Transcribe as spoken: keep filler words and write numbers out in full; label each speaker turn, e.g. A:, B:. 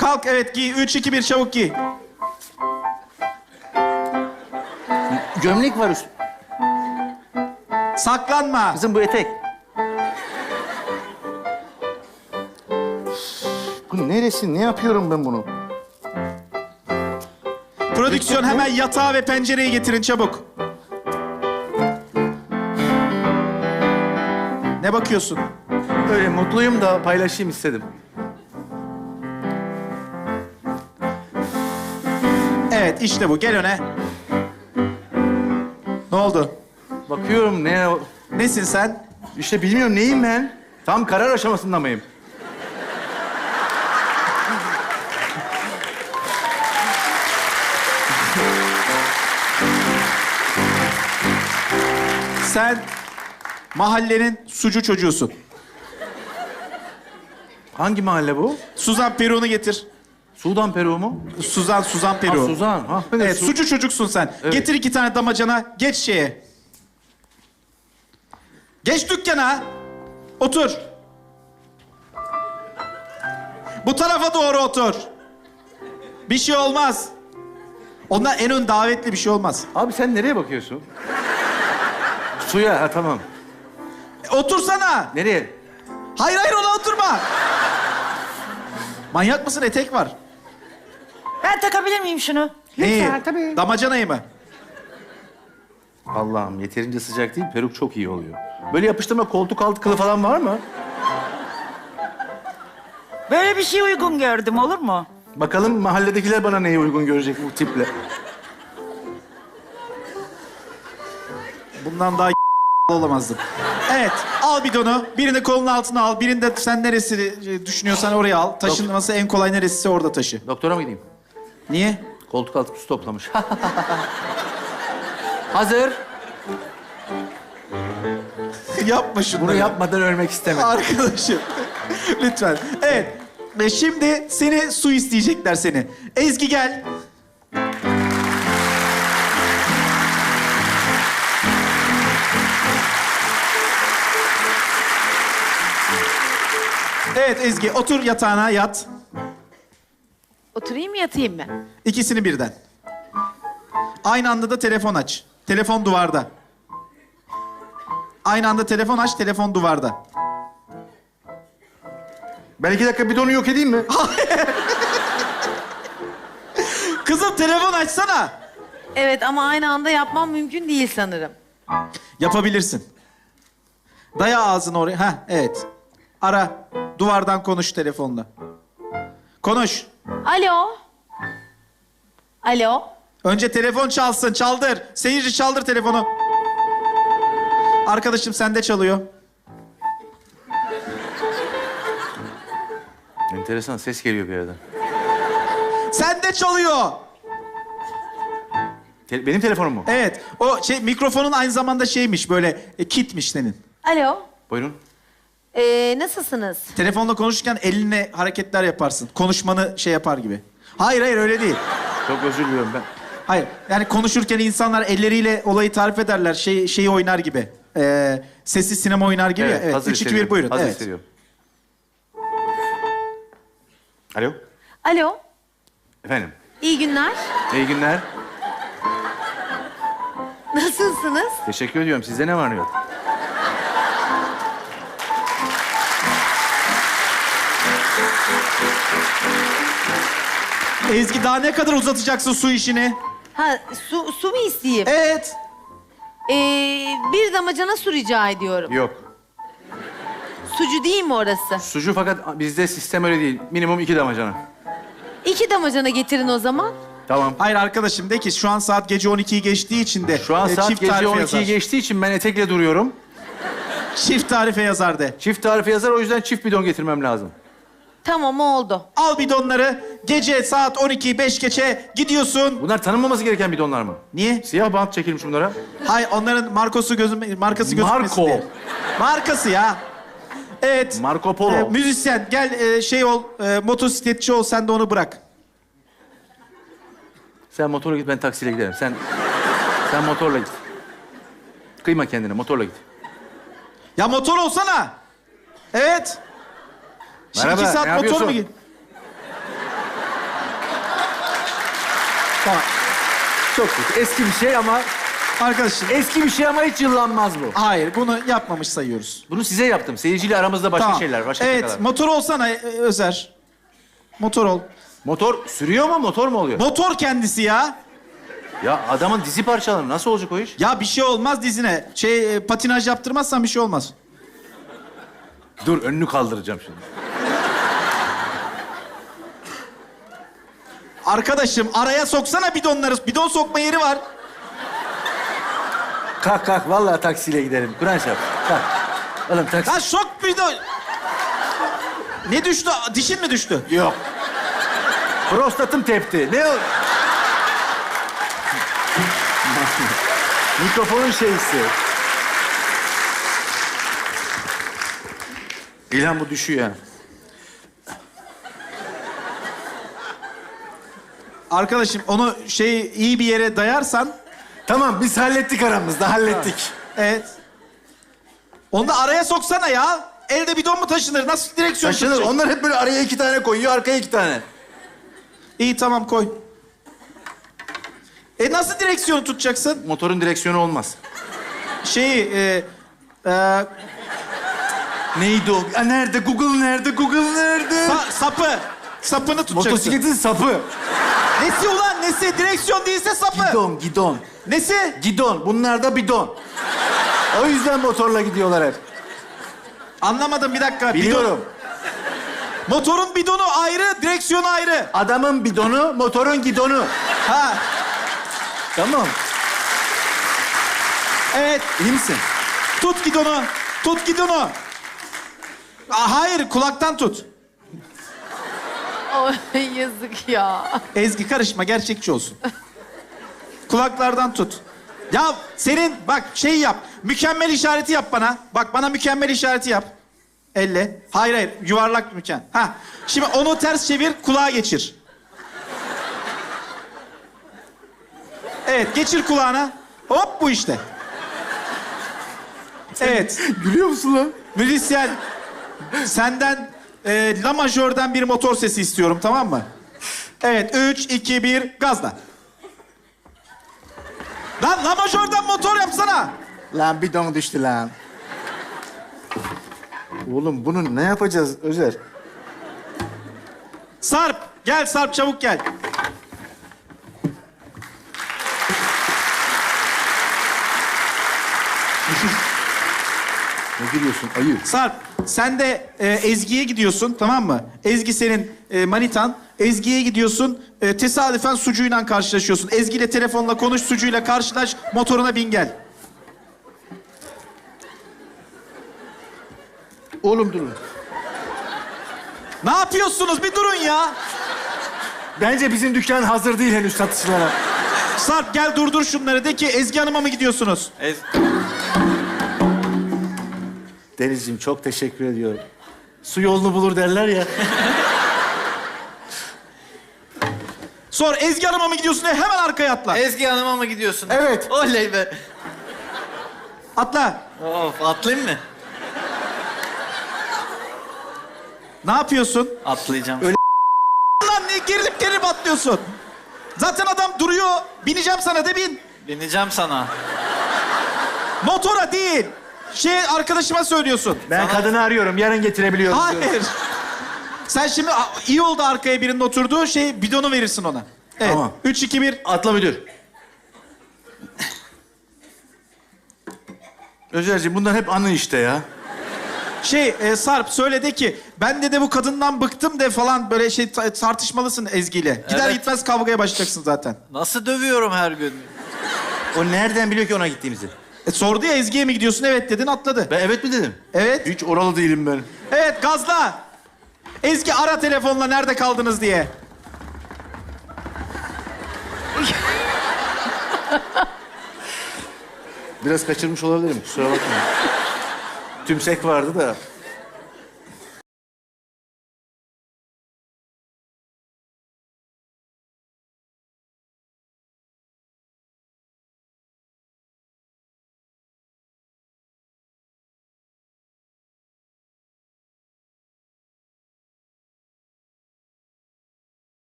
A: Kalk, evet giy. Üç, iki, bir, çabuk giy.
B: Gömlek var üst.
A: Saklanma.
B: Kızım bu etek. Bu neresi? Ne yapıyorum ben bunu?
A: Prodüksiyon hemen yatağı ve pencereyi getirin çabuk. Ne bakıyorsun?
B: Öyle mutluyum da paylaşayım istedim.
A: Evet, işte bu. Gel öne. Ne oldu?
B: Bakıyorum ne...
A: Nesin sen?
B: İşte bilmiyorum neyim ben? Tam karar aşamasında mıyım?
A: Sen mahallenin sucu çocuğusun.
B: Hangi mahalle bu?
A: Suzan Peru'nu getir.
B: Sudan Peru mu?
A: Suzan, Suzan
B: Ha,
A: Peru.
B: Suzan. Ha,
A: Evet,
B: Su-
A: sucu çocuksun sen.
B: Evet.
A: Getir iki tane damacana, geç şeye. Geç dükkana. Otur. Bu tarafa doğru otur. Bir şey olmaz. Ondan en ön davetli bir şey olmaz.
B: Abi sen nereye bakıyorsun? Suya, ha tamam.
A: E, otursana.
B: Nereye?
A: Hayır hayır ona oturma. Manyak mısın? Etek var.
C: Ben takabilir miyim şunu?
A: Neyi?
C: Lütfen tabii.
A: Damacanayı mı?
B: Allah'ım yeterince sıcak değil, peruk çok iyi oluyor. Böyle yapıştırma koltuk altı kılı falan var mı?
C: Böyle bir şey uygun gördüm, olur mu?
B: Bakalım mahalledekiler bana neyi uygun görecek bu tiple.
A: Bundan daha olamazdın. Evet, al bidonu. Birini kolunun altına al. Birini de sen neresi düşünüyorsan oraya al. Taşınması en kolay neresiyse orada taşı.
B: Doktora mı gideyim?
A: Niye?
B: Koltuk altı su toplamış. Hazır.
A: Yapma şunu.
B: Bunu yapmadan ölmek istemem.
A: Arkadaşım. Lütfen. Evet. Ve şimdi seni su isteyecekler seni. Ezgi gel. Evet Ezgi, otur yatağına yat.
D: Oturayım mı yatayım mı?
A: İkisini birden. Aynı anda da telefon aç. Telefon duvarda. Aynı anda telefon aç, telefon duvarda.
B: Ben iki dakika bidonu yok edeyim mi?
A: Kızım telefon açsana.
D: Evet ama aynı anda yapmam mümkün değil sanırım.
A: Yapabilirsin. Daya ağzını oraya. Heh, evet. Ara. Duvardan konuş telefonla. Konuş.
D: Alo. Alo.
A: Önce telefon çalsın. Çaldır. Seyirci çaldır telefonu. Arkadaşım sende çalıyor.
B: Enteresan ses geliyor bir yerden.
A: Sende çalıyor.
B: Te- benim telefonum mu?
A: Evet. O şey mikrofonun aynı zamanda şeymiş böyle e, kitmiş senin.
D: Alo.
B: Buyurun.
D: Ee, nasılsınız?
A: Telefonla konuşurken elinle hareketler yaparsın. Konuşmanı şey yapar gibi. Hayır hayır öyle değil.
B: Çok özür diliyorum ben.
A: Hayır. Yani konuşurken insanlar elleriyle olayı tarif ederler. Şey şeyi oynar gibi. Ee, sessiz sinema oynar gibi. ya. Evet.
B: hazır
A: Üç, iki,
B: hissediyorum.
A: bir buyurun.
B: Hazır
A: Evet.
B: hissediyorum. Alo.
D: Alo.
B: Efendim.
D: İyi günler.
B: İyi günler.
D: Nasılsınız?
B: Teşekkür ediyorum. Sizde ne var ne yok?
A: Ezgi daha ne kadar uzatacaksın su işini?
D: Ha su, su mu isteyeyim?
A: Evet.
D: Ee, bir damacana su rica ediyorum.
B: Yok.
D: Sucu değil mi orası?
B: Sucu fakat bizde sistem öyle değil. Minimum iki damacana.
D: İki damacana getirin o zaman.
B: Tamam.
A: Hayır arkadaşım de ki şu an saat gece on ikiyi geçtiği için de
B: Şu an
A: e,
B: saat
A: çift
B: gece
A: tarife
B: on
A: yazar.
B: ikiyi geçtiği için ben etekle duruyorum.
A: Çift tarife yazar de.
B: Çift tarife yazar, o yüzden çift bidon getirmem lazım.
D: Tamam oldu.
A: Al bidonları. Gece saat on ikiyi beş geçe gidiyorsun.
B: Bunlar tanınmaması gereken bidonlar mı?
A: Niye?
B: Siyah bant çekilmiş bunlara.
A: Hayır onların markosu gözüm markası gözükmesin
B: Marko.
A: diye. Markası ya. Evet.
B: Marco Polo.
A: E, müzisyen gel e, şey ol, e, motosikletçi ol sen de onu bırak.
B: Sen motorla git, ben taksiyle giderim. Sen sen motorla git. Kıyma kendine, motorla git.
A: Ya motor olsana. Evet. Şimdi
B: Merhaba,
A: iki saat
B: ne
A: motor
B: yapıyorsun?
A: mu git?
B: Tamam. Çok kötü. Eski bir şey ama...
A: Arkadaşım,
B: Eski bir şey ama hiç yıllanmaz bu.
A: hayır bunu yapmamış sayıyoruz.
B: Bunu size yaptım. Seyirciyle aramızda başka
A: Tamam.
B: şeyler, başka
A: Evet,
B: şakalar.
A: motor olsana e, Özer. Motor ol.
B: Motor sürüyor mu, motor mu oluyor?
A: Motor kendisi ya.
B: Ya adamın dizi parçaları nasıl olacak o iş?
A: Ya bir şey olmaz dizine. Şey, e, patinaj yaptırmazsan bir şey olmaz.
B: Dur, önünü kaldıracağım şimdi.
A: Arkadaşım araya soksana bidonları. Bidon sokma yeri var.
B: Kalk kalk, vallahi taksiyle gidelim. Kur'an şap. Kalk. Oğlum taksi...
A: Lan sok bidon. Ne düştü? Dişin mi düştü?
B: Yok. Prostatım tepti. Ne o? Mikrofonun şeysi. İlhan bu düşüyor ha.
A: Arkadaşım onu şey iyi bir yere dayarsan...
B: Tamam, biz hallettik aramızda, hallettik.
A: Evet. Onu da araya soksana ya. Elde bidon mu taşınır? Nasıl direksiyon
B: Taşınır.
A: tutacak?
B: Onlar hep böyle araya iki tane koyuyor, arkaya iki tane.
A: İyi tamam koy. E nasıl direksiyonu tutacaksın?
B: Motorun direksiyonu olmaz.
A: Şeyi... E, e,
B: Neydi o? Aa, nerede? Google nerede? Google nerede?
A: sa- sapı. Sapını tutacaksın.
B: Motosikletin sapı.
A: Nesi ulan nesi? Direksiyon değilse sapı.
B: Gidon, gidon.
A: Nesi?
B: Gidon. Bunlar da bidon. O yüzden motorla gidiyorlar hep.
A: Anlamadım bir dakika.
B: Biliyorum.
A: Bidon- Motorun bidonu ayrı, direksiyonu ayrı.
B: Adamın bidonu, motorun gidonu.
A: Ha.
B: Tamam.
A: Evet.
B: İyi misin?
A: Tut gidonu. Tut gidonu. Aa, hayır kulaktan tut.
D: Ay yazık ya.
A: Ezgi karışma gerçekçi olsun. Kulaklardan tut. Ya senin bak şey yap. Mükemmel işareti yap bana. Bak bana mükemmel işareti yap. Elle. Hayır hayır yuvarlak mükemmel. Ha. Şimdi onu ters çevir kulağa geçir. Evet geçir kulağına. Hop bu işte. Evet.
B: Gülüyor musun lan?
A: Müzisyen senden e, La majörden bir motor sesi istiyorum tamam mı? Evet üç, iki, bir gazla. Lan La majörden motor yapsana.
B: Lan bidon düştü lan. Oğlum bunu ne yapacağız Özer?
A: Sarp gel Sarp çabuk gel.
B: Ne gülüyorsun ayı?
A: Sarp sen de e, Ezgi'ye gidiyorsun tamam mı? Ezgi senin e, manitan. Ezgi'ye gidiyorsun e, tesadüfen Sucu'yla karşılaşıyorsun. Ezgi ile telefonla konuş Sucu'yla karşılaş motoruna bin gel.
B: Oğlum durun.
A: Ne yapıyorsunuz bir durun ya.
B: Bence bizim dükkan hazır değil henüz satışlara.
A: Sarp gel durdur şunları de ki Ezgi Hanım'a mı gidiyorsunuz?
B: Denizciğim çok teşekkür ediyorum. Su yolunu bulur derler ya.
A: Sor Ezgi Hanım'a mı gidiyorsun diye hemen arkaya atla.
E: Ezgi Hanım'a mı gidiyorsun?
B: Evet.
E: Oley be.
A: Atla.
E: Of, atlayayım mı?
A: Ne yapıyorsun?
E: Atlayacağım.
B: Öyle-
A: Lan niye gerilip gerilip atlıyorsun? Zaten adam duruyor. Bineceğim sana de bin.
E: Bineceğim sana.
A: Motora değil. Şey arkadaşıma söylüyorsun.
B: Ben kadını arıyorum. Yarın getirebiliyorum. diyorum.
A: Hayır. Sen şimdi a- iyi oldu arkaya birinin oturduğu şey bidonu verirsin ona. Evet.
B: Tamam.
A: Üç, iki, bir.
B: Atla müdür. Özerciğim bunlar hep anı işte ya.
A: Şey e, Sarp söyle de ki ben de de bu kadından bıktım de falan böyle şey ta- tartışmalısın Ezgi'yle. Gider
E: Evet.
A: gitmez kavgaya başlayacaksın zaten.
E: Nasıl dövüyorum her gün?
B: O nereden biliyor ki ona gittiğimizi?
A: E, sordu ya Ezgi'ye mi gidiyorsun? Evet dedin atladı.
B: Ben evet mi dedim?
A: Evet.
B: Hiç oralı değilim ben.
A: Evet gazla. Ezgi ara telefonla nerede kaldınız diye.
B: Biraz kaçırmış olabilirim. Kusura bakma. Tümsek vardı da.